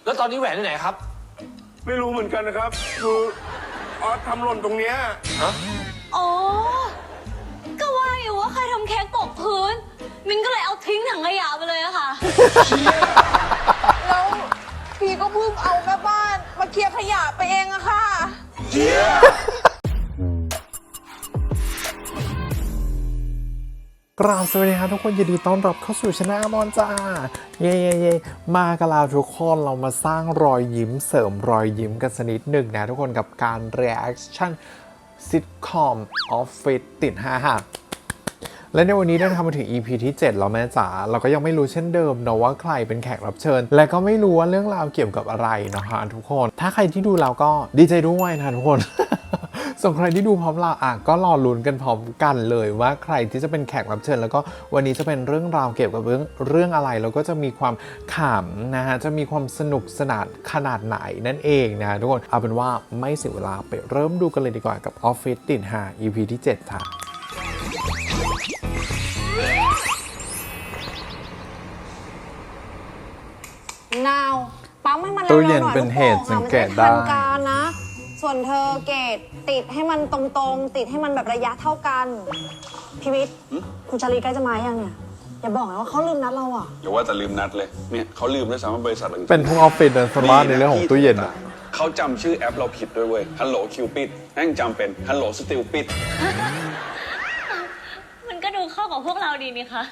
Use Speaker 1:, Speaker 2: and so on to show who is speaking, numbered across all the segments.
Speaker 1: แล้วตอนนี้แหวนที่ไหนครับ
Speaker 2: ไม่รู้เหมือนกันนะครับคือออสทำหล่นตรงเนี้ย
Speaker 3: อ๋อก็ว่าอยู่ว่าใครทำเค้กตกพื้นมินก็เลยเอาทิ้งถังขยะไปเลยอะค่ะ
Speaker 4: แล้วพี่ก็เพิ่งเอาแม่บ้านมาเคลียร์ขยะไปเองอะค่ะ
Speaker 5: กราบสวัสดีครับทุกคนยินดีต้อนรับเข้าสู่ช anel มอนจ้าเย่มากันแล้วทุกคนเรามาสร้างรอยยิ้มเสริมรอยยิ้มกันสักนิดหนึ่งนะทุกคนกับการ reaction sitcom Office ติด5หักและในวันนี้ได้ทำมาถึง EP ที่ 7 แล้วแม่จ๋าเราก็ยังไม่รู้เช่นเดิมนะว่าใครเป็นแขกรับเชิญและก็ไม่รู้ว่าเรื่องราวเกี่ยวกับอะไรนะฮะทุกคนถ้าใครที่ดูแล้วก็ดีใจด้วยนะทุกคน ส่วนใครที่ดูพร้อมเราก็รอลุ้นกันพร้อมกันเลยว่าใครที่จะเป็นแขกรับเชิญแล้วก็วันนี้จะเป็นเรื่องราวเกี่ยวกับเรื่องอะไรแล้วก็จะมีความขำนะฮะจะมีความสนุกสนานขนาดไหนนั่นเองนะทุกคนเอาเป็นว่าไม่เสียเวลาไปเริ่มดูกันเลยดีกว่ากับ Office ติด5 EP ที่ 7 ค่ะ
Speaker 4: นาวปั๊มให้มัน
Speaker 5: ตู้
Speaker 4: เร็วๆห
Speaker 5: เย็
Speaker 4: น่
Speaker 5: น
Speaker 4: อย
Speaker 5: เป็นเหตุสังเกตได้
Speaker 4: มันจะทันการนะ ส่วนเธอเกตติดให้มันตรงๆติดให้มันแบบระยะเท่ากันพิวิทย์คุณชาลีใกล้จะมายังเนี่ยอย่าบอกนะว่าเขาลืมนัดเราอ่ะ
Speaker 2: อย่าว่าแต่ลืมนัดเลยเนี่ยเขาลืมด้วยซ้ำว่าบริษัทต่างๆ
Speaker 5: เป็นทุกออฟฟิศสมาร์ทในเรื่องของตู้เย็นอะ
Speaker 2: เขาจำชื่อแอปเราผิดด้วยเว้ยฮัลโหลคิวปิดแม่งจำเป็นฮัลโหลสติลปิด
Speaker 3: มันก็ดูเข้ากับพวกเราดีนี่คะ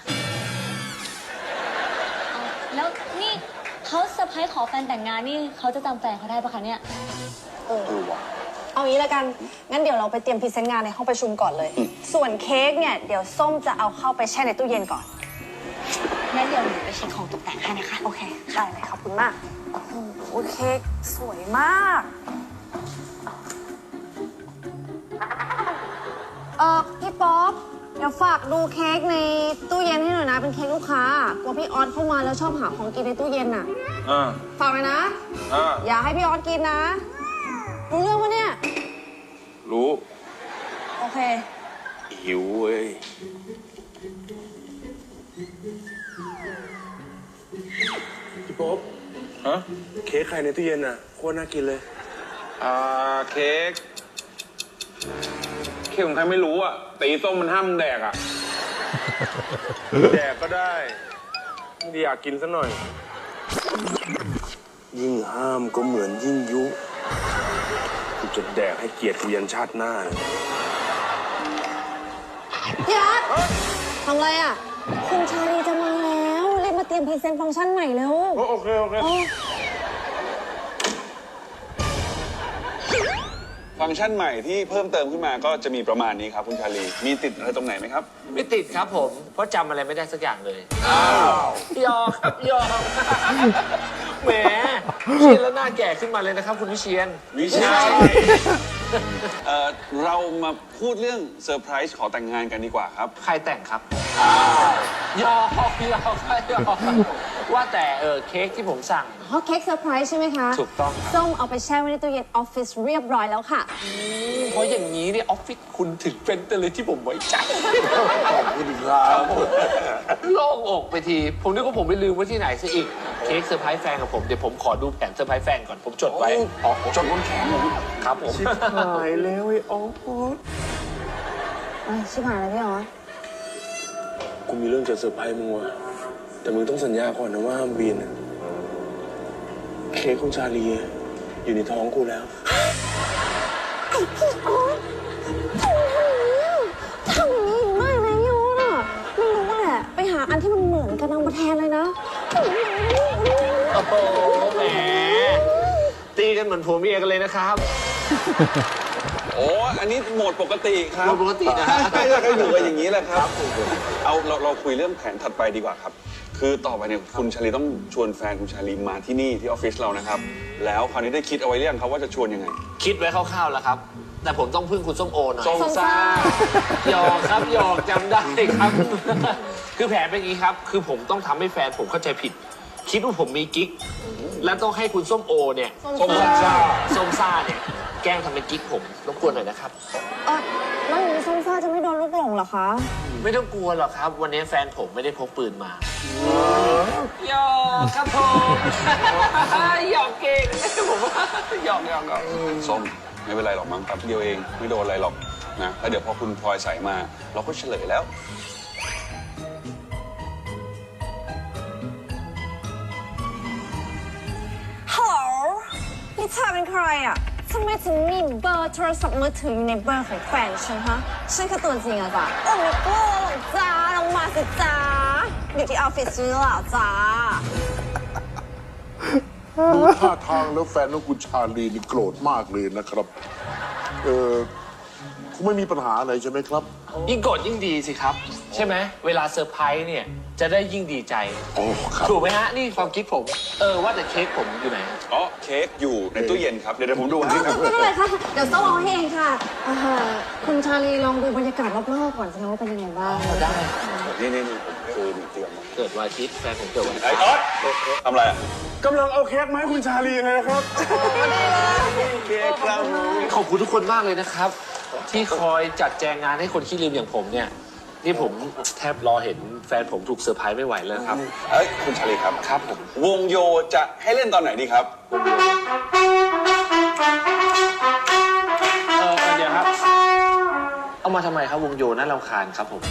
Speaker 3: แล้วนี่เขาเซอร์ไพรส์ขอแฟนแต่งงานนี่เขาจะจำแฟนเขาได้ปะคะเนี่ย
Speaker 4: เอางี้ละกันงั้นเดี๋ยวเราไปเตรียมพรีเซนต์งานในห้องประชุมก่อนเลย ส่วนเค้กเนี่ยเดี๋ยวส้มจะเอาเข้าไปแช่ในตู้เย็นก่อนงั้นเดี๋ยวหนูไปเช็คของตกแต่งให้นะคะโอเคได้เลยขอบคุณมากโอ้โหเค้กสวยมากพี่ป๊อปเดี๋ยวฝากดูเค้กในตู้เย็นให้หน่อยนะเป็นเค้กลูกค้ากลัวพี่ออสเข้ามาแล้วชอบหาของกินในตู้เย็นน่ะฝากเลยนะอย่าให้พี่ออสกินนะรู้เรื่องปะเนี่ย
Speaker 2: รู้
Speaker 4: โอเค
Speaker 2: หิวเว้ยพี่ป๊อบฮะเค้กใครในตู้เย็นอ่ะโคตรน่ากินเลยเค้กของใครไม่รู้อ่ะตีส้มมันห้ามแดกอ่ะ แดกก็ได้ไม่ได้อยากกินซะหน่อยยิ่งห้ามก็เหมือนยิ่งยุกูจะแดกให้เกียรติกูยันชาติหน้า
Speaker 4: พี่อาร์ตทำไรอ่ะคุณชาลีจะมาแล้วรีบมาเตรียมพรีเซนต์ฟังก์ชันใหม่เร็ว
Speaker 2: โอเคฟังก์ชันใหม่ที่เพิ่มเติมขึ้นมาก็จะมีประมาณนี้ครับคุณชาลีมีติดอะไรตรงไหนไหมครับ
Speaker 1: ไม่ติดครับผมเพราะจำอะไรไม่ได้สักอย่างเลยยอครับยอแหมเชียนแล้วหน้าแก่ขึ้นมาเลยนะครับคุณวิเชียน
Speaker 2: เรามาพูดเรื่องเซอร์ไพรส์ขอแต่งงานกันดีกว่าครับ
Speaker 1: ใครแต่งครับยอว่าแต่เค้กที่ผมสั่ง
Speaker 4: เค้กเซอร์ไพรส์ใช่ไหมคะ
Speaker 1: ถูกต้อง
Speaker 4: ส้มเอาไปแช่ไว้ในตู้เย็นออฟฟิศเรียบร้อยแล้วค่ะ
Speaker 1: เพราะอย่างนี้เนี่ยออฟฟิศคุณถึงเป็นเลยที่ผมไว้ใจ
Speaker 2: ขอบคุณครับ
Speaker 1: โล่งอกไปทีผมนึกว่าผมไปลืมไว้ที่ไหนซะอีกเค้กเซอร์ไพรส์แฟนกับผมเดี๋ยวผมขอดูแผนเซอร์ไพรส์แฟนก่อนผมจดไว้
Speaker 2: จดบนแขน
Speaker 1: ครับผม
Speaker 2: ชิบหายแล้วไอ้ออฟ
Speaker 4: ชิบหายแล้วพี่อ๋อ
Speaker 2: กูมีเรื่องจะเซอร์ไพรส์มึงว่ะแต่มึงต้องสัญญาก่อนนะว่าห้ามบินเค้กของชาลีอยู่ในท้องกูแล้ว
Speaker 4: ไอ้พี่ออสทำอย่างนี้มากนะพี่ออสอ่ะไม่รู้แหละไปหาอันที่มันเหมือนกันเอามาแทนเลยนะ
Speaker 1: โอ้โหแหมตีกันเหมือนผัวเมียกันเลยนะครับ
Speaker 2: โอ้อันนี้โหมดปกติครับ
Speaker 1: โหมดปกตินะฮะ
Speaker 2: ใช่ก็อยู่กันอย่างนี้แหละครับเอาเราคุยเรื่องแผนถัดไปดีกว่าครับคือต่อไปเนี่ยคุณชาลีต้องชวนแฟนคุณชาลีมาที่นี่ที่ออฟฟิศเรานะครับแล้วคราวนี้ได้คิดเอาไว้หรือยังครับว่าจะชวนยังไง
Speaker 1: คิดไว้คร่าวๆแล้วครับแต่ผมต้องพึ่งคุณส้มโอหน่อย
Speaker 2: ส้มซ่า
Speaker 1: หยอกครับหยอกจำได้ครับคือแผนเป็นอย่างนี้ครับคือผมต้องทำให้แฟนผมเข้าใจผิดคิดว่าผมมีกิ๊กและต้องให้คุณส้มโอเนี่ยส้มซ่าเนี่ยแกล้งทำเป็นกิ๊กผมรบกวนหน่อยนะครับ
Speaker 4: แล้วอย่างนี้ส้มซ่าจะไม่โดนลูกหลงเหรอคะ
Speaker 1: ไม่ต้องกลัวหรอกครับวันนี้แฟนผมไม่ได้พกปืนมาหยอกครับผมหยอกเก่งผมว่าหยอก
Speaker 2: ส้มไม่เป็นไรหรอกมั้งแป๊บเดียวเองไม่โดนอะไรหรอกนะแล้วเดี๋ยวพอคุณพลอยใส่มา เราก็เฉลยแล้ว
Speaker 4: ฮัลโหลนี่เธอเป็นใครอ่ะทำไมถึงมีเบอร์โทรศัพท์มือถืออยู่ในเบอร์ของแฟนฉันฮะฉันคือตัวจริงอะจ้ะไม่กลัวหรอกจ้าลงมาสิจ้าอยู่ที่ออฟฟิศฉันแล้วเหรอจ้า
Speaker 6: ดูท่าทางแล้วแฟนของคุณชาลีนี่โกรธมากเลยนะครับ คงไม่มีปัญหาอะไรใช่ไหมครับ
Speaker 1: ยิ่งโกรธยิ่งดีสิครับ ใช่ไหมเวลาเซอร์ไพรส์เนี่ยจะได้ยิ่งดีใจ
Speaker 6: โอ้ครับ
Speaker 1: ถูกไหมฮะนี่ความคิดผมว่าแต่เค้กผมอยู่ไหน
Speaker 2: อ๋อเค้กอยู่ในตู้เย็นครับ เดี๋ยวผมดูให้ครับ
Speaker 4: ไม่เป็นไรค่ะ เดี๋ยวต้องเอาให้เองค่ะคุณชาลีลองดูบรรยากาศรอบๆก่อนสิคะว่าเป็นยังไงบ้าง
Speaker 1: ได้
Speaker 2: นี่ผมคือเตรียมมา
Speaker 1: เกิดวันอาทิตย์แฟนผมเกิดวันอาทิ
Speaker 2: ไอ้
Speaker 1: ตย์
Speaker 2: ก๊อตทำอะไรอ่ะ
Speaker 6: กำลังเอาเค้กมาให้คุณชาลีเลยนะครับ
Speaker 2: เค้กครับ
Speaker 1: ขอบคุณทุกคนมากเลยนะครับ ที่คอยจัดแจงงานให้คนขี้ลืมอย่างผมเนี่ยนี่ผมแทบรอเห็นแฟนผมถูกเซอร์ไพรส์ไม่ไหวแล้วครับ
Speaker 2: เอ้ยคุณชาลีครับ
Speaker 1: ครับผม
Speaker 2: วงโยจะให้เล่นตอนไหนดีครับ
Speaker 1: เดี๋ยวครับ เอามาทำไมครับวงโยน่ารำคาญครับผม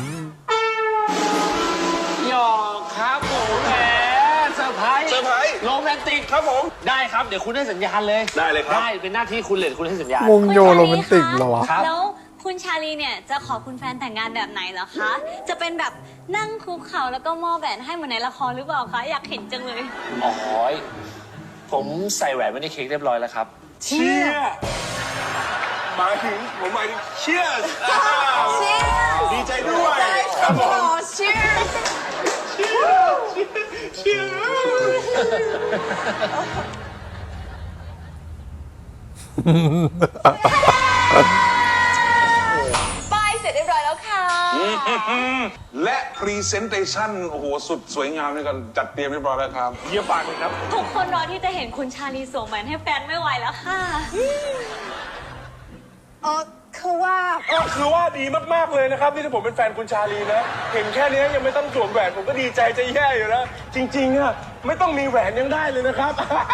Speaker 1: หยอกครับผมแหมเซอร์ไพรส์
Speaker 2: เซอร์ไพรส์
Speaker 1: โรแมนติกครับผมได้ครับเดี๋ยวคุณให้สัญญาณเลย
Speaker 2: ได้เลยครับ
Speaker 1: ได้เป็นหน้าที่คุณเลยคุณให้สัญญาณ
Speaker 5: วงโยโรแมนติกเหรอวะ
Speaker 1: ครับ
Speaker 3: แล้วคุณชาลีเนี่ยจะขอคุณแฟนแต่งงานแบบไหนเหรอคะ จะเป็นแบบนั่งคุกเข่าแล้วก็มอบแหวนให้เหมือนในละครหรือเปล่าคะ อยากเห็นจังเลย
Speaker 1: อ๋อผมใส่แหวนไว้ในเค้กเรียบร้อยแล้วครับ
Speaker 6: เชี่ยหมายถึงเชี่ยดีใจด้วยครับผม
Speaker 3: ป้ายเสร็จเรียบร้อยแล้วค่ะ
Speaker 6: และพรีเซนเตชันโอ้โหสุดสวยงามในการจัดเตรียมเรียบร้อยแล้วครับเยี่ยมมากเลยครับ
Speaker 3: ทุกคนรอที่จะเห็นคุณชาลีสวมแหวนให้แฟนไม่ไหวแล้วค่ะ
Speaker 4: คือว่า
Speaker 7: ก็คือว่าดีมาก ๆ เลยนะครับที่ผมเป็นแฟนคุณชาลีนะ เห็นแค่นี้ยังไม่ต้องสวมแหวนผมก็ดีใจจะแย่อยู่แล้ว จริง ๆอะไม่ต้องมีแหวนยังได้เลยนะครับ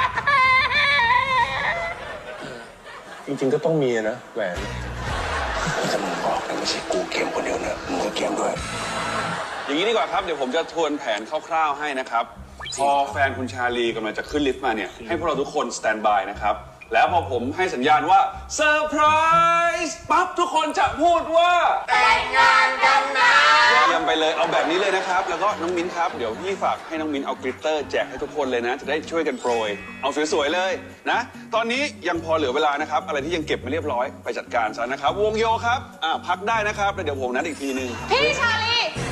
Speaker 7: จริง ๆ ก็ต้องมีนะแหวน
Speaker 6: ถ้ามึงบอกนะไม่ใช่กูเกมคนเดียวนะมึงก็เกมด้วย
Speaker 2: อย่างนี้ดีกว่าครับ เดี๋ยวผมจะทวนแผนคร่าวๆให้นะครับ พอแฟนคุณชาลีกำลังจะขึ้นลิฟต์มาเนี่ย ให้พวกเราทุกคนสแตนบายนะครับ แล้วพอผมให้สัญญาณว่าเซอร์ไพรส์ปั๊บทุกคนจะพูดว่าแต่งงานกันนะเยี่ยมไปเลยเอาแบบนี้เลยนะครับ แล้วก็น้องมิ้นครับ เดี๋ยวพี่ฝากให้น้องมิ้นเอากลิตเตอร์แจกให้ทุกคนเลยนะ จะได้ช่วยกันโปรย เอาสวยๆเลยนะ ตอนนี้ยังพอเหลือเวลานะครับ อะไรที่ยังเก็บไม่เรียบร้อยไปจัดการซะนะครับ วงโยครับพักได้นะครับแล้วเดี๋ยวผมนัดอีกทีนึง
Speaker 4: พี่ชาลี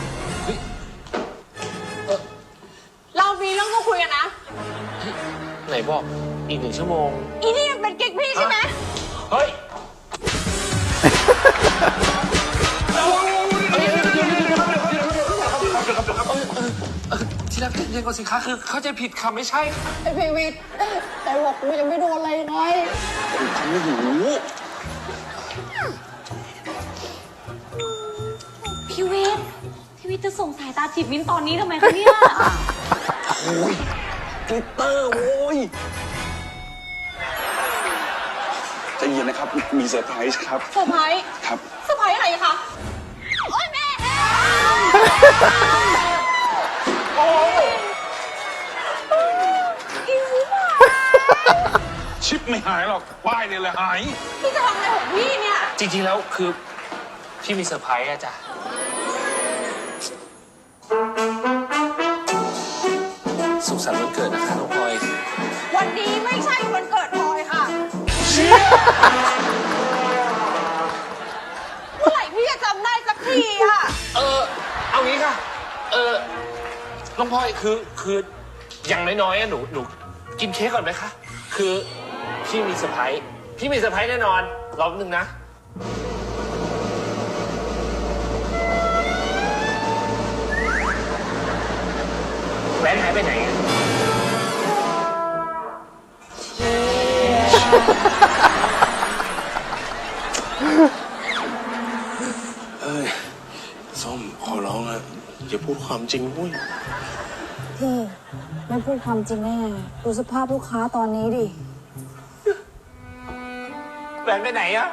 Speaker 4: เรามีเรื่องต้องคุยกันนะ
Speaker 1: ไหนบอกอีก1 ชั่วโมง
Speaker 4: อีนี่มันเป็นกิ๊กพี่ใช่ไหม
Speaker 1: เฮ้ยที่รักเย็นกว่าสิคะคือเข้าใจผิดค่ะไม่ใช่
Speaker 4: ไอพีวิทย์แต่บอกกูยังไม่โดนอะไรไง
Speaker 3: พี่วิทย์จะส่งสายตาจีบมิ้นตอนนี้ทำไมคะเนี่ย
Speaker 2: กลิตเตอร์โว้ยใจเย็นนะครับ มีเซอร์ไพรส์ครับ
Speaker 4: เซอร์ไพรส์
Speaker 2: ครับ
Speaker 4: เซอร์ไพรส์อะไรคะ โอ๊ยแม่
Speaker 6: ชิปไม่หายหรอกป้ายเนี่ยแหละหาย
Speaker 4: พี่จะทำอะไรของพี่เนี่ย
Speaker 1: จริงๆแล้วคือพี่มีเซอร์ไพรส์อะจ้ะสุขสันต์วันเกิดนะคะน้องพลอย
Speaker 4: วันนี้ไม่ใช่วันเกิดพลอยค่ะ เมื่อไหร่พี่จะจำได้สักทีอะ
Speaker 1: เอางี้ค่ะ น้องพลอยคืออย่างน้อยๆอะหนูกินเค้กก่อนไหมคะ คือพี่มีเซอร์ไพรส์แน่นอนรอบนึงนะ แหวนหายไปไหนอะ
Speaker 6: ส้มขอร้องอะอย่าพูดความจริงเว้ย
Speaker 4: พี่ไม่พูดความจริงได้ไงดูสภาพลูกค้าตอนนี้ดิ
Speaker 1: แหวนไปไหนอะ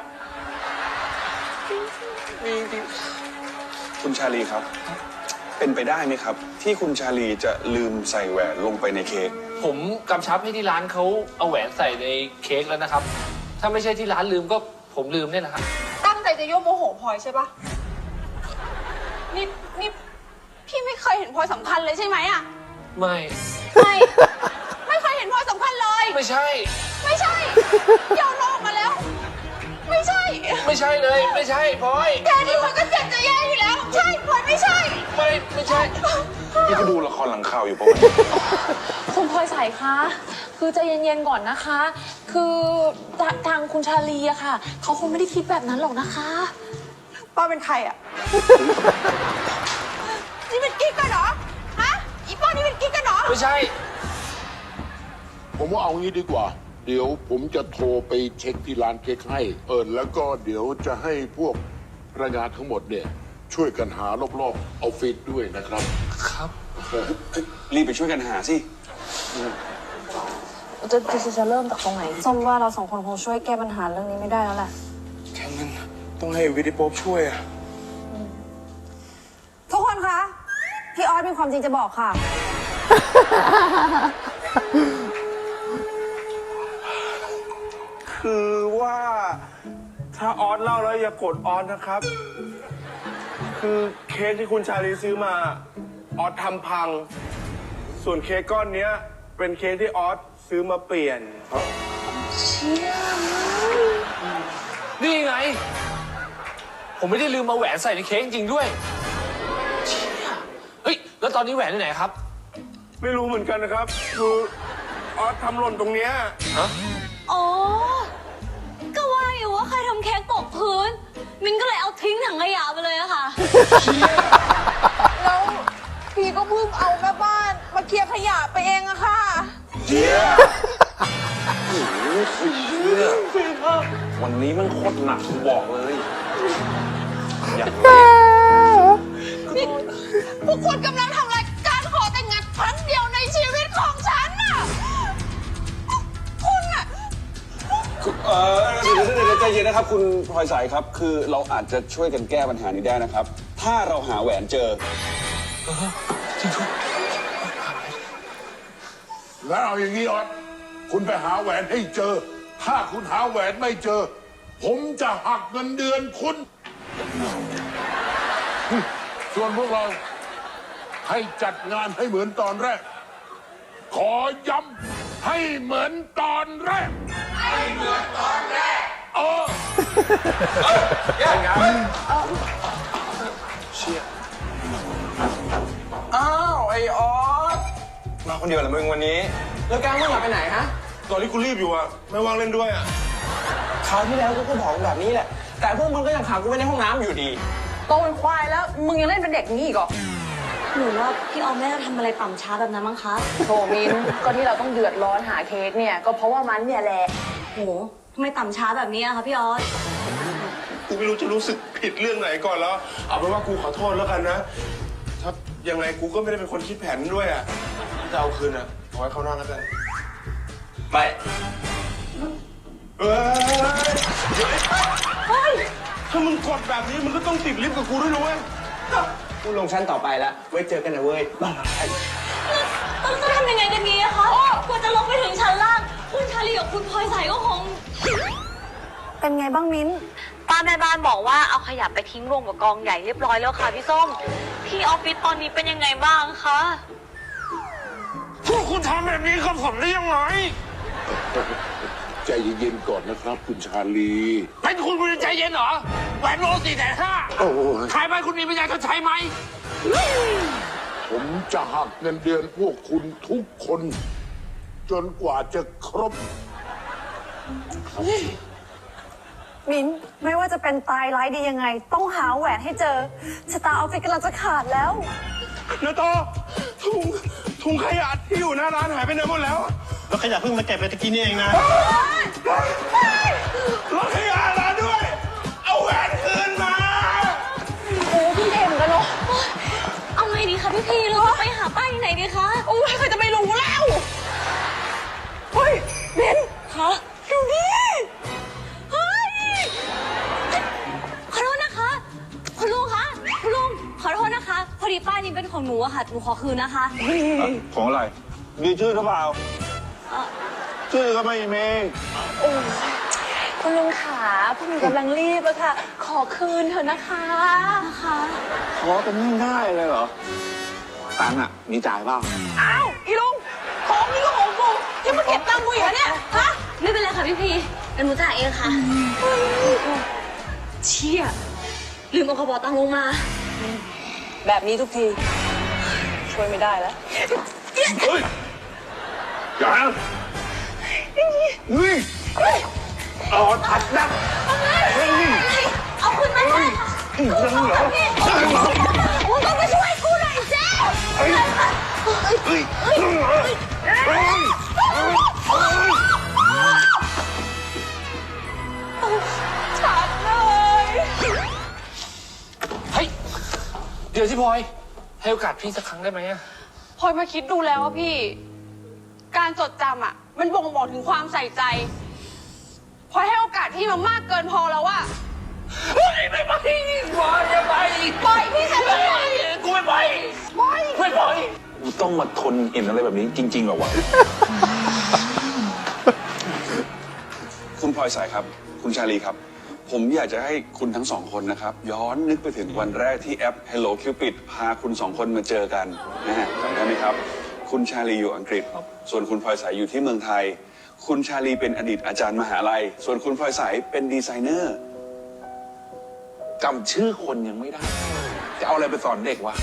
Speaker 1: มีจริง
Speaker 2: คุณชาลีครับ เป็นไปได้ไหมครับ ที่คุณชาลีจะลืมใส่แหวนลงไปในเค้ก
Speaker 1: ผมกำชับให้ที่ร้านเขาเอาแหวนใส่ในเค้กแล้วนะครับ ถ้าไม่ใช่ที่ร้านลืมก็ผมลืมเนี่ยนะครับ
Speaker 8: ตั้งใจจะยั่วโมโหพลอยใช่ปะนี่พี่ไม่เคยเห็นพลอยสำคัญเลยใช่ไหมอะ
Speaker 1: ไม่
Speaker 8: ไม่เคยเห็นพลอยสำคัญเลย
Speaker 1: ไม่ใช่
Speaker 8: ไม่ใช่ยอมออกมาแล้ว ไม่ใช่
Speaker 1: ไม่ใช่เลย ไม่ใช่พลอย
Speaker 8: แค่นี้พลอยก็เจ็บจะแย่อยู่แล้ว ใช่พลอยไม่ใช่
Speaker 1: ไม่ใช่
Speaker 6: พี่ก็ดูละครหลังข่าวอยู่ปะวะ
Speaker 9: คุณพลอยใสคะคือใจเย็นๆก่อนนะคะ คือทางคุณชาลีอะค่ะเขาคงไม่ได้คิดแบบนั้นหรอกนะคะ
Speaker 8: ป้าเป็นใครอะนี่เป็นกิ๊กกันเหรอ ฮะ อีป้านี่เป็นกิ๊กกันเหรอ
Speaker 1: ไม่ใช่
Speaker 10: ผมว่าเอางี้ดีกว่า เดี๋ยวผมจะโทรไปเช็คที่ร้านเค้กให้ แล้วก็เดี๋ยวจะให้พวกพนักงานทั้งหมดเนี่ย ช่วยกันหารอบๆออฟฟิศด้วยนะครับ
Speaker 1: ครับ
Speaker 2: รีบไปช่วยกันหาสิ
Speaker 9: จะเริ่มจากตรงไหน
Speaker 4: ส้มว่าเราสองคนคงช่วยแก้ปัญหาเรื่องนี้ไม่ได้แล้วแหละ
Speaker 6: แค่นั้นต้องให้วิดีโป๊ปช่วยอะ
Speaker 4: ทุกคนคะ พี่ออสมีความจริงจะบอกค่ะ
Speaker 7: คือว่าถ้าออสเล่าแล้วอย่าโกรธออสนะครับ คือเค้กที่คุณชาลีซื้อมาออสทำพัง ส่วนเค้กก้อนเนี้ยเป็นเค้กที่ออสซื้อมาเปลี่ยน
Speaker 1: นี่ไง ผมไม่ได้ลืมมาแหวนใส่ในเค้กจริงด้วยเชี่ยเฮ้ย แล้วตอนนี้แหวนที่ไหนครับ
Speaker 7: ไม่รู้เหมือนกันนะครับ คือออสทำหล่นตรงเนี้ย
Speaker 3: อ๋อ ก็ว่าอยู่ว่าใครทำเค้กตกพื้น มินก็เลยเอาทิ้งถังขยะไปเลยอะค่ะ
Speaker 8: แล้วพี่ก็เพิ่งเอาแม่บ้านมาเคลียร์ขยะไปเองอะค่ะ
Speaker 6: วันนี้มันโคตรหนักผมบอกเลย อย่าง
Speaker 8: พวกคุณกำลังทำรายการขอแต่งงานครั้งเดียวในชีวิตของฉันน่ะ คุณอะ
Speaker 2: เดี๋ยวใจเย็นนะครับ คุณพลอยสายครับ คือเราอาจจะช่วยกันแก้ปัญหานี้ได้นะครับ ถ้าเราหาแหวนเจอ
Speaker 10: แล้วเอาอย่างนี้ออสคุณไปหาแหวนให้เจอ ถ้าคุณหาแหวนไม่เจอ ผมจะหักเงินเดือนคุณ ส่วนพวกเราให้จัดงานให้เหมือนตอนแรก ขอย้ำให้เหมือนตอนแรก ให้เหมือนตอนแรก
Speaker 6: อ้าวไอออสมาคนเดียวเหรอมึงวันนี้ แล้วแกมึงอยากไปไหนฮะ
Speaker 7: ตอนที่กูรีบอยู่อะไม่ว่างเล่นด้วยอะ
Speaker 6: คราวที่แล้วกูก็บอกแบบนี้แหละ แต่พวกมึงก็ยังขังกูไว้ในห้องน้ำอยู่ดี
Speaker 8: โตเป็นควายแล้ว มึงยังเล่นเป็นเด็กนี้อีกเหรอ
Speaker 3: หนูว่าพี่ออมไม่ได้ทำอะไรต่ำช้าแบบนั้นมั้งคะ
Speaker 9: โถมิน ก็ที่เราต้องเดือดร้อนหาเค้กเนี่ย ก็เพราะว่ามันเนี่ยแหละ
Speaker 3: โหทำไมต่ำช้าแบบนี้อะคะพี่ออส
Speaker 7: กูไม่รู้จะรู้สึกผิดเรื่องไหนก่อนแล้ว เอาเป็นว่ากูขอโทษแล้วกันนะ ถ้ายังไงกูก็ไม่ได้เป็นคนคิดแผนด้วยอะจะเอาคืนอะขอให้เขานอนแล้วกัน
Speaker 6: ไม่
Speaker 7: เฮ้ยถ้ามึงกดแบบนี้มึงก็ต้องติดลิฟต์กับกูด้วยนะเว้ย
Speaker 6: กูลงชั้นต่อไปแล้ว ไว้เจอกันนะเว้ยบาย
Speaker 3: ต้องทำยังไงกันดีอะคะกว่าจะลงไปถึงชั้นล่าง คุณชาลีกับคุณพลอยใสก็คง
Speaker 4: เป็นไงบ้างมิ้น
Speaker 3: ป้าแม่บ้านบอกว่าเอาขยะไปทิ้งรวมกับกองใหญ่เรียบร้อยแล้วค่ะพี่ส้ม ที่ออฟฟิศตอนนี้เป็นยังไงบ้างคะ
Speaker 7: พวกคุณทำแบบนี้กับผมได้ยังไง
Speaker 10: ใจเย็นๆก่อนนะครับ คุณชาลี
Speaker 1: เป็นคุณจะใจเย็นเหรอ แหวนโล450,000
Speaker 10: โอ้ย
Speaker 1: ขายไปคุณมีปัญญาชดใช้ไหม
Speaker 10: ผมจะหักเงินเดือนพวกคุณทุกคน จนกว่าจะครบ
Speaker 4: มิ้นไม่ว่าจะเป็นตายร้ายดียังไง ต้องหาแหวนให้เจอชะตาออฟฟิศกำลังจะขาดแล้ว
Speaker 7: นาโตถุงขยะที่อยู่หน้าร้านหายไปไหนหมดแล้ว แล้วขยะเพิ่งมาเก็บไปตะกี้นี่เองนะรถขยะร้านด้วย เอาแหวนคืนมา
Speaker 3: โอ้พี่เอ็มกันเนาะเอาไงดีคะพีเราจะไปหาป้าที่ไหนดีคะ
Speaker 8: โอ้ยใครจะไปรู้แล้ว เฮ้ยเบน
Speaker 3: คะ
Speaker 8: ดูนี่
Speaker 3: เฮ้ยขอโทษนะคะ คุณลุงคะคุณลุงขอโทษนะคะ พอดีป้ายนี้เป็นของหนูอะค่ะหนูขอคืนนะคะ
Speaker 6: ของอะไร มีชื่อหรือเปล่า
Speaker 3: เอ่อ
Speaker 6: ชื่อก็ไม่มี
Speaker 9: คุณลุงขาพวกหนูกำลังรีบอะค่ะ ขอคืนเถอะนะคะ
Speaker 3: นะคะ
Speaker 6: ขอกันง่ายๆเลยเหรอ ตังค์อ่ะ มีจ่ายเปล่า
Speaker 8: อ้าวอีลุงของนี่ก็ของกูยังมาเก็บตังค์กูอีกเหรอเนี่ย ฮะ
Speaker 3: ไม่เป็นไรค่ะพี่พีเดี๋ยวหนูจ่ายเองค่ะเชี่ยลืมเอากระเป๋าตังค์ลงมา
Speaker 8: แบบนี้ทุกที ช่วยไม่ได้แล้ว
Speaker 6: เฮ้ย อย่านะเฮ้ยเอาทัดนะเฮ้ย
Speaker 3: เอาคืนมาเลยค่ะ
Speaker 6: ยังเหรอ
Speaker 3: มึงต้องมาช่วยกูหน่อยเจ๊
Speaker 6: เฮ้ยเฮ้ยยังเหรอเฮ้ย
Speaker 8: ชัดเลย
Speaker 1: เฮ้ย เดี๋ยวสิพลอย ให้โอกาสพี่สักครั้งได้ไหมอะ
Speaker 8: พลอยมาคิดดูแล้วว่าพี่ การจดจำอ่ะ มันบ่งบอกถึงความใส่ใจพลอยให้โอกาสพี่มามากเกินพอแล้วอะ
Speaker 1: เฮ้ยไม่ไปพลอยอย่าไป
Speaker 8: ปล่อยพี่ฉันไป
Speaker 1: กูไม่ไป
Speaker 8: ปล่อย
Speaker 1: ไม่ปล่อย
Speaker 6: กูต้องมาทนเห็นอะไรแบบนี้จริงๆเหรอวะ
Speaker 2: คุณพลอยสายครับ คุณชาลีครับ ผมอยากจะให้คุณทั้งสองคนนะครับ ย้อนนึกไปถึงวันแรกที่แอป Hello Cupid พาคุณสองคนมาเจอกันนะฮะจำได้ไหมครับ คุณชาลีอยู่อังกฤษ ส่วนคุณพลอยสายอยู่ที่เมืองไทย คุณชาลีเป็นอดีตอาจารย์มหาลัย ส่วนคุณพลอยสายเป็นดีไซเนอร์จำชื่อคนยังไม่ได้ จะเอาอะไรไปสอนเด็กวะ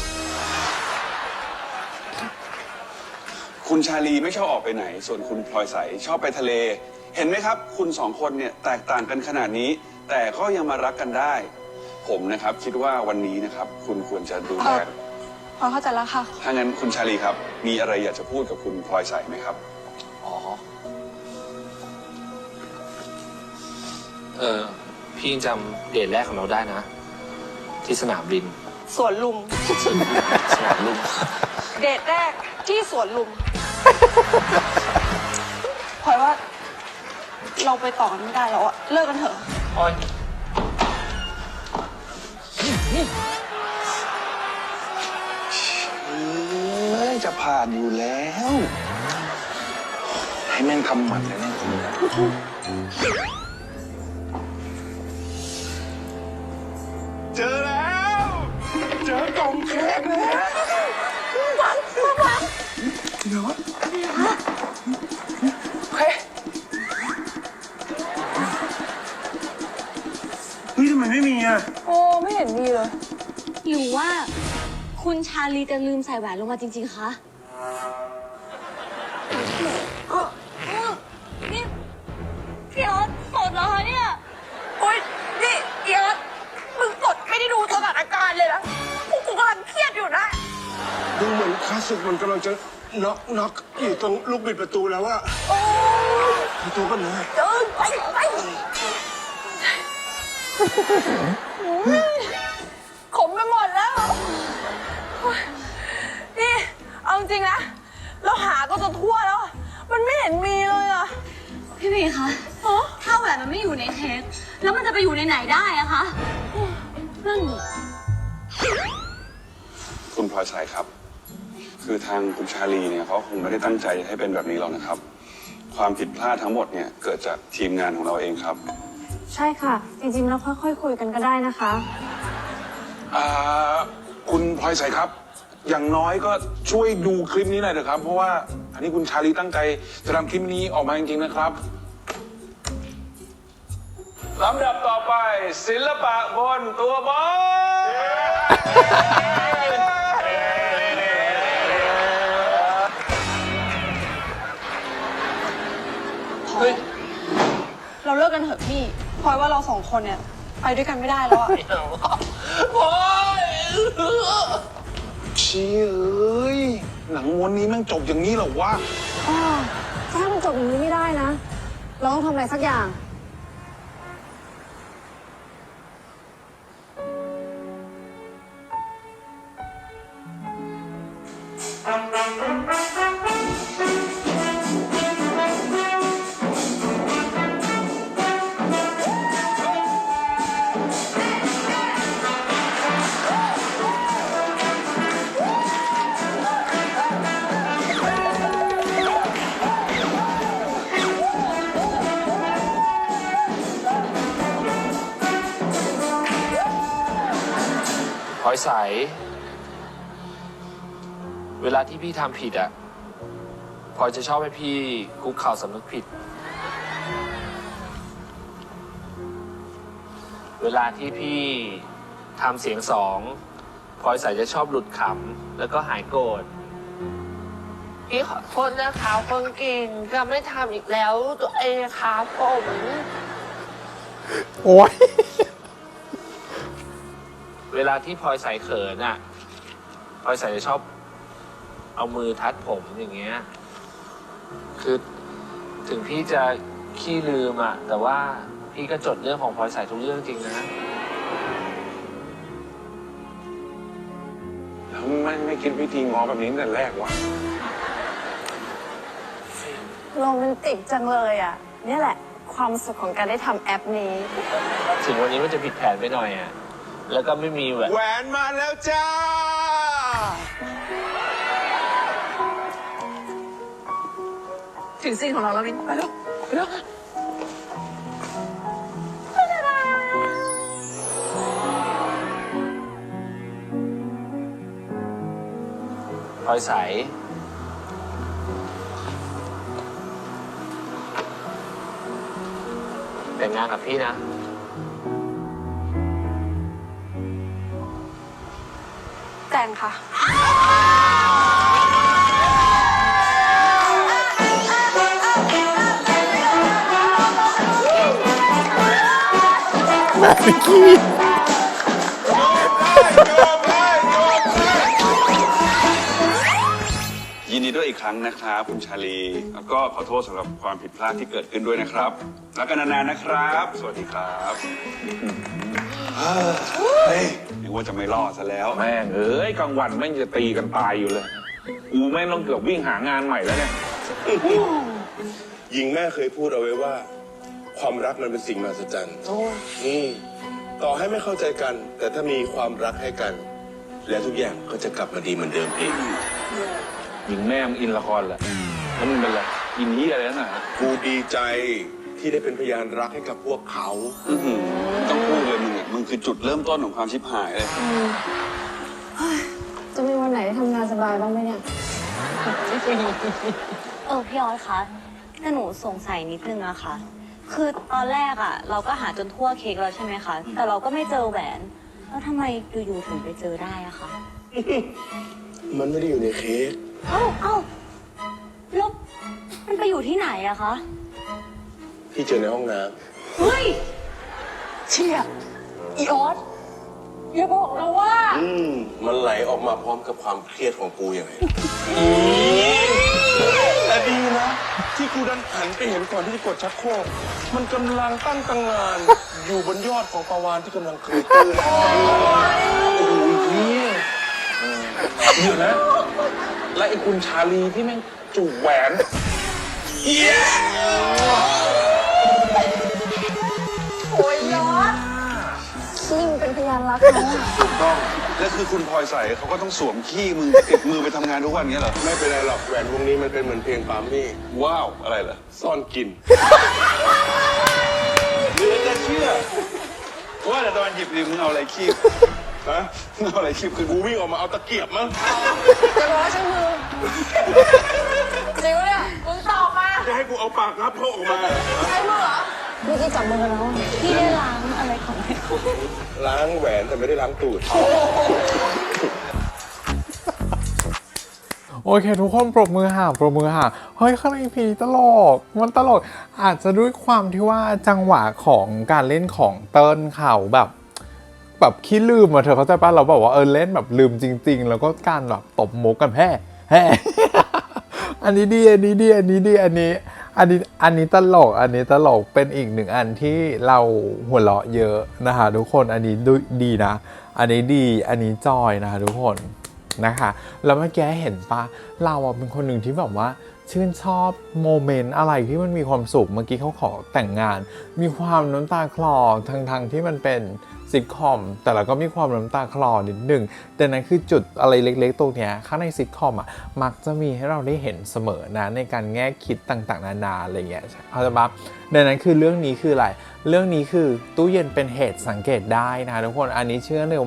Speaker 2: คุณชาลีไม่ชอบออกไปไหน ส่วนคุณพลอยใสชอบไปทะเล เห็นไหมครับ คุณสองคนเนี่ยแตกต่างกันขนาดนี้ แต่ก็ยังมารักกันได้ ผมนะครับคิดว่าวันนี้นะครับ คุณควรจะดูแล
Speaker 8: พลอยเข้าใจแล้วค่ะ
Speaker 2: ถ้างั้นคุณชาลีครับ มีอะไรอยากจะพูดกับคุณพลอยใสไหมครับ
Speaker 1: อ๋อ พี่ยังจำเดทแรกของเราได้นะ ที่สนามบิน
Speaker 8: สวนลุม
Speaker 1: สนามลุม
Speaker 8: เดทแรกที่สวนลุม พลอยว่า เราไปต่อกันไม่ได้แล้วอะเลิกกันเถอะ
Speaker 1: พลอย
Speaker 6: จะผ่านอยู่แล้ว ให้แม่งทำหมันเลยแม่งคนนี้เจอแล้ว เจอกล่องเค้กแล้วเดี๋ยวเฮ้ยทำไมไม่มีอ่ะ
Speaker 8: โอ้ไม่เห็นมีเลย
Speaker 3: หรือว่าคุณชาลีจะลืมใส่แหวนลงมาจริงๆ คะนี่พี่ออสสดเหรอคะเนี่ย
Speaker 8: โอ๊ยนี่เอียดมึงกดไม่ได้ดูสถานการณ์เลยนะกูกำลังเครียดอยู่นะ
Speaker 7: ดูเหมือนคลาสสิกมันกำลังจะน็อกอยู่ตรงลูกบิดประตูแล้วอะประตูก็เหนื่อย
Speaker 8: เดินไปขมไปหมดแล้ว นี่ เอาจริงนะ เราหาก็จะทั่วแล้ว มันไม่เห็นมีเลยอะ
Speaker 3: พี่พีคะถ้าแหวนมันไม่อยู่ในเค้กแล้วมันจะไปอยู่ในไหนได้อะคะนั่นดิ
Speaker 2: คุณพลอยใสครับ คือทางคุณชาลีเนี่ยเขาคงไม่ได้ตั้งใจให้เป็นแบบนี้หรอกนะครับ ความผิดพลาดทั้งหมดเนี่ยเกิดจากทีมงานของเราเองครับ
Speaker 4: ใช่ค่ะ จริงๆแล้วค่อยๆคุยกันก็ได้นะคะ
Speaker 6: คุณพลอยใสครับ อย่างน้อยก็ช่วยดูคลิปนี้หน่อยเถอะครับ เพราะว่าอันนี้คุณชาลีตั้งใจจะทำคลิปนี้ออกมาจริงๆนะครับ
Speaker 2: ลำดับต่อไปศิลปะบนตัวบอล
Speaker 1: เฮ้ย
Speaker 8: เราเลิกกันเถอะพี่พลอยว่าเราสองคนเนี่ย ไปด้วยกันไม่ได้แล้วอะ
Speaker 1: พลอย
Speaker 6: เชี่ยเอ้ย หนังม้วนนี้แม่งจบอย่างนี้เหรอวะ
Speaker 4: จะให้มันจบอย่างนี้ไม่ได้นะ เราต้องทำอะไรสักอย่าง
Speaker 1: อยใสเวลาที่พี่ทำผิดอะพลอยจะชอบให้พี่คุกเข่าสำนึกผิดเวลาที่พี่ทำเสียงสองพลอยใสจะชอบหลุดขำแล้วก็หายโกรธพี่ขอโทษนะคะคนเก่งจะไม่ทำอีกแล้วตัวเองครับผม
Speaker 5: โอ้ย
Speaker 1: เวลาที่พลอยใสเขินอ่ะพลอยใสจะชอบเอามือทัดผมอย่างเงี้ยคือถึงพี่จะขี้ลืมอ่ะแต่ว่าพี่ก็จดเรื่องของพลอยใสทุกเรื่องจริงนะ
Speaker 6: แล้วไม่คิดวิธีง้อแบบนี้ตั้งแต่แรกวะ
Speaker 4: โรแมนติกจังเลยอ่ะนี่แหละความสุขของการได้ทำแอปนี้
Speaker 1: ถึงวันนี้มันจะผิดแผนไปหน่อยอ่ะแล้วก็ไม่มีแหวน
Speaker 7: แหวนมาแล้วจ้า
Speaker 9: ถึงซีนของเราแล้วมินไปแล้วไปแล้ว
Speaker 1: พลอยใสแต่งงานกับพี่นะ
Speaker 8: แต่งค่ะ
Speaker 5: แม่พิกกี้
Speaker 2: ยินดีด้วยอีกครั้งนะครับคุณชาลีแล้วก็ขอโทษสำหรับความผิดพลาดที่เกิดขึ้นด้วยนะครับรักกันนานๆนะครับ สวัสดีครับเฮ้ยนึกว่าจะไม่รอดซะแล้ว
Speaker 6: แม่งเอ้ยกลางวันแม่งจะตีกันตายอยู่เลยกูแม่งต้องเกือบวิ่งหางานใหม่แล้วเนี่ย
Speaker 7: หญิงแม่เคยพูดเอาไว้ว่า ความรักมันเป็นสิ่งมหัศจรรย์ต่อให้ไม่เข้าใจกัน แต่ถ้ามีความรักให้กัน และทุกอย่างก็จะกลับมาดีเหมือนเดิมเอง
Speaker 6: หญิงแม่มึงอินละครแหละแล้วมึงเป็นไรอินนี่อะไรนั่นน่ะ
Speaker 7: กูดีใจที่ได้เป็นพยานรักให้กับพวกเขา
Speaker 2: ต้องพูดเลยมึงคือจุดเริ่มต้นของความชิบหายเลย
Speaker 4: จะมีวันไหนทำงานสบายบ้างไหมเนี่ย
Speaker 3: พี่ออสคะแต่หนูสงสัยนิดนึงอะค่ะ คือตอนแรกอะเราก็หาจนทั่วเค้กแล้วใช่ไหมคะ แต่เราก็ไม่เจอแหวน แล้วทำไมอยู่ๆถึงไปเจอได้อะคะ
Speaker 7: มันไม่ได้อยู่ในเค้ก
Speaker 3: เอ้าแล้วมันไปอยู่ที่ไหนอะคะ
Speaker 7: ที่เจอในห้องน้
Speaker 3: เฮ้ย
Speaker 9: เชี่ยอีออสอย่าบอกนะว่า
Speaker 7: ำมันไหลออกมาพร้อมกับความเครียดของกูอย่างไรแต่ดีนะ ที่กูดันหันไปเห็นก่อนที่จะกดชักโครกมันกำลังตั้งตังงาน อยู่บนยอดของปลาวานที่กำลังเคยตื้น
Speaker 6: เดี๋ยวนะ และไอ้คุณชาลีที่แม่งจูบแหวน
Speaker 4: ขี้มันเป็นพยานรักนะ
Speaker 2: ถูกต้องและคือคุณพลอยใสเขาก็ต้องสวมขี้มือติดมือไปทำงานทุกวันเงี้ยเหรอ
Speaker 7: ไม่เป็นไรหรอกแหวนวงนี้มันเป็นเหมือนเพลงปามี่
Speaker 2: ว้าวอะไรเหรอ
Speaker 7: ซ่อนกิน
Speaker 2: เหลือจะเชื่อว่าแต่ตอนหยิบดิมึงเอาอะไรคีบ
Speaker 7: ฮะ
Speaker 2: มึงเอาอะไรคีบคือ
Speaker 7: กูวิ่งออกมาเอาตะเกียบมั้ง
Speaker 9: จะบอกว่าใช้มือจริงปะเนี่ยมึงตอบมา
Speaker 7: จะให้กูเอาปากงับเขาออกมา
Speaker 9: ใช้มือเหรอ
Speaker 4: เมื่อกี้จับมือกันแล้วอะ
Speaker 3: พี่ได้ล้างอะไรของแม่
Speaker 7: ล้างแหวนแต่ไม่ได้ล้างตูด
Speaker 5: โอเคทุกคนปรบมือห่าปรบมือห่าเฮ้ยข้างในพีตลกมันตลกอาจจะด้วยความที่ว่าจังหวะของการเล่นของเติ้ลเขาแบบขี้ลืมอะเธอเข้าใจป่ะเราบอกว่าเล่นแบบลืมจริง ๆ แล้วก็การแบบตบมุกกันแฮ่อันนี้ดีอันนี้ดีอันนี้ดีอันนี้ตลกเป็นอีกหนึ่งอันที่เราหัวเราะเยอะนะคะทุกคนอันนี้ดีนะอันนี้ดีอันนี้จอยนะคะทุกคนนะคะแล้วเมื่อกี้เห็นปะเราเป็นคนหนึ่งที่แบบว่าชื่นชอบโมเมนต์อะไรที่มันมีความสุขเมื่อกี้เขาขอแต่งงานมีความน้ำตาคลอทั้งที่มันเป็นซิทคอมแต่เราก็มีความน้ำตาคลอนิดหนึ่งแต่นั้นคือจุดอะไรเล็กๆตรงเนี้ยข้างในซิทคอมมักจะมีให้เราได้เห็นเสมอนะในการแง่คิดต่างๆนานาอะไรเงี้ยเข้าใจปะดังนั้นคือเรื่องนี้คืออะไรเรื่องนี้คือตู้เย็นเป็นเหตุสังเกตได้นะคะทุกคนอันนี้เชื่อเลยว่า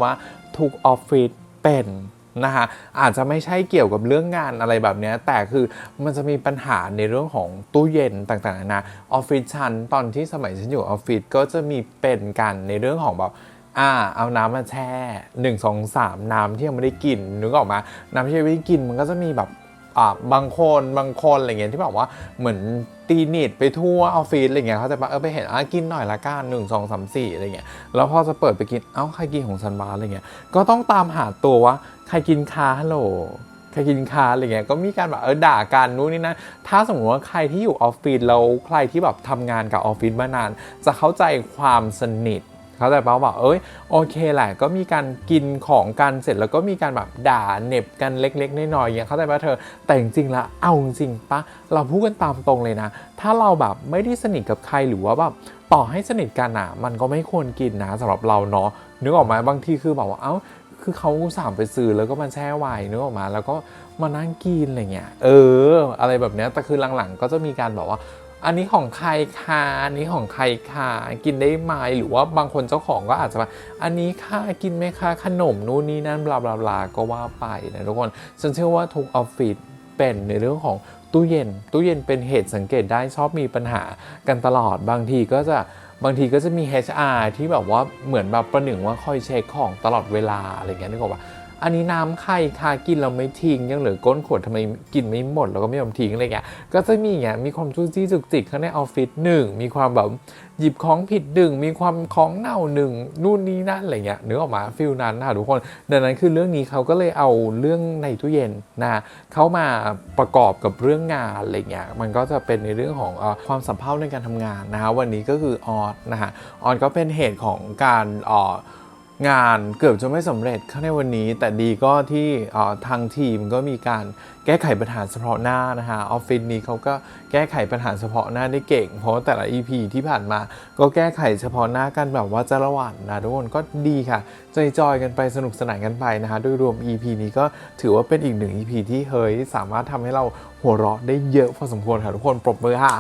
Speaker 5: ทุกออฟฟิศเป็นนะคะอาจจะไม่ใช่เกี่ยวกับเรื่องงานอะไรแบบนี้แต่คือมันจะมีปัญหาในเรื่องของตู้เย็นต่างๆนะออฟฟิศฉันตอนที่สมัยฉันอยู่ออฟฟิศก็จะมีเป็นกันในเรื่องของแบบเอาน้ำมาแช่1 2 3น้ำที่ยังไม่ได้กินนึกออกมาน้ำที่ยังไม่ได้กินมันก็จะมีแบบบางคนอะไรเงี้ยที่แบบว่าเหมือนตีนิดไปทั่วออฟฟิศอะไรเงี้ยเขาจะไปเห็นกินหน่อยละกัน1 2 3 4อะไรเงี้ยแล้วพอจะเปิดไปกินใครกินของฉันบ้างอะไรเงี้ยก็ต้องตามหาตัวว่าใครกินค้าฮัลโหลใครกินค้าอะไรเงี้ยก็มีการแบบด่ากันนู้นนี่นะถ้าสมมติว่าใครที่อยู่ออฟฟิศแล้วใครที่แบบทำงานกับออฟฟิศมานานจะเข้าใจความสนิทเขาแต่เปล่าว่าโอเคแหละก็มีการกินของกันเสร็จแล้วก็มีการแบบด่าเหน็บกันเล็กๆน้อยๆอย่างเขาแต่ว่าเธอแต่จริงๆแล้วเอาจริงปะเราพูดกันตามตรงเลยนะถ้าเราแบบไม่ได้สนิทกับใครหรือว่าแบบต่อให้สนิทกันมันก็ไม่ควรกินนะสำหรับเราเนาะนึกออกไหมบางทีคือแบบว่าคือเขาสั่งไปซื้อแล้วก็มาแช่ไว้นึกออกมาแล้วก็มานั่งกินอะไรเงี้ยอะไรแบบเนี้ยแต่คือหลังๆก็จะมีการบอกว่าอันนี้ของใครคะอันนี้ของใครคะกินได้ไหมหรือว่าบางคนเจ้าของก็อาจจะแบบอันนี้ค่ะกินไหมคะขนมนู่นนี่นั่นบลาบลาบลาก็ว่าไปนะทุกคนฉันเชื่อว่าทุกออฟฟิศเป็นในเรื่องของตู้เย็นเป็นเหตุสังเกตได้ชอบมีปัญหากันตลอดบางทีก็จะมี HR ที่แบบว่าเหมือนแบบประหนึ่งว่าคอยเช็คของตลอดเวลาอะไรเงี้ยนึกออกปะอันนี้น้ำใครคะกินเราไม่ทิ้งยังเหลือก้นขวดทำไมกินไม่หมดแล้วก็ไม่ยอมทิ้งอะไรเงี้ยก็จะมีอย่างเงี้ยมีความจุกจี้จุกจิกข้างในออฟฟิศ1มีความแบบหยิบของผิด1มีความของเน่า1นู่นนี่นั่นอะไรเงี้ยนึกออกมาฟิลนั้นค่ะทุกคนดังนั้นคือเรื่องนี้เขาก็เลยเอาเรื่องในตู้เย็นนะเข้ามาประกอบกับเรื่องงานอะไรเงี้ยมันก็จะเป็นในเรื่องของความสัมพันธ์ในการทำงานนะฮะวันนี้ก็คือออสนะฮะออสก็เป็นเหตุของการงานเกือบจะไม่สำเร็จข้างในวันนี้แต่ดีก็ที่ทางทีมก็มีการแก้ไขปัญหาเฉพาะหน้านะฮะออฟฟิศนี้เขาก็แก้ไขปัญหาเฉพาะหน้าได้เก่งเพราะแต่ละ EP ที่ผ่านมาก็แก้ไขเฉพาะหน้ากันแบบว่าจะระหว่างนะทุกคนก็ดีค่ะจอยๆกันไปสนุกสนานกันไปนะฮะโดยรวม EP นี้ก็ถือว่าเป็นอีก1 EP ที่สามารถทำให้เราหัวเราะได้เยอะพอสมควรค่ะทุกคนปรบมือค่ะ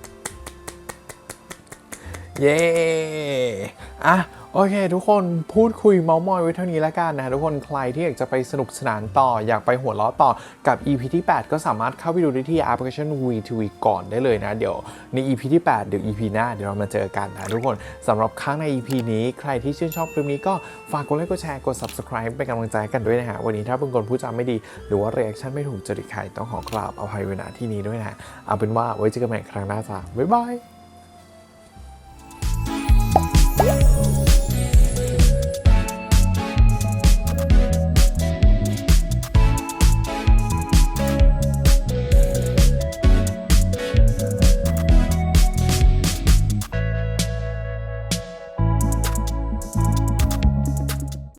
Speaker 5: เย้โอเคทุกคนพูดคุยเมาท์มอยไว้เท่านี้แล้วกันนะทุกคนใครที่อยากจะไปสนุกสนานต่ออยากไปหัวเราะต่อกับ EP ที่ 8 ก็สามารถเข้าไปดูได้ที่แอปพลิเคชัน VTV ก่อนได้เลยนะเดี๋ยวใน EP ที่ 8 เดี๋ยว EP หน้าเดี๋ยวเรามาเจอกันนะทุกคนสำหรับครั้งใน EP นี้ใครที่ชื่นชอบคลิปนี้ก็ฝากกดไลค์กดแชร์กด Subscribe เป็นกำลังใจกันด้วยนะฮะวันนี้ถ้าเป็นคนพูดจาไม่ดีหรือว่า reaction ไม่ถูกจริตใครต้องขอกราบอภัยไว้ณที่นี้ด้วยนะเอาเป็นว่าไว้เจอกันใหม่ครั้งหน้าจ้าบ๊ายบาย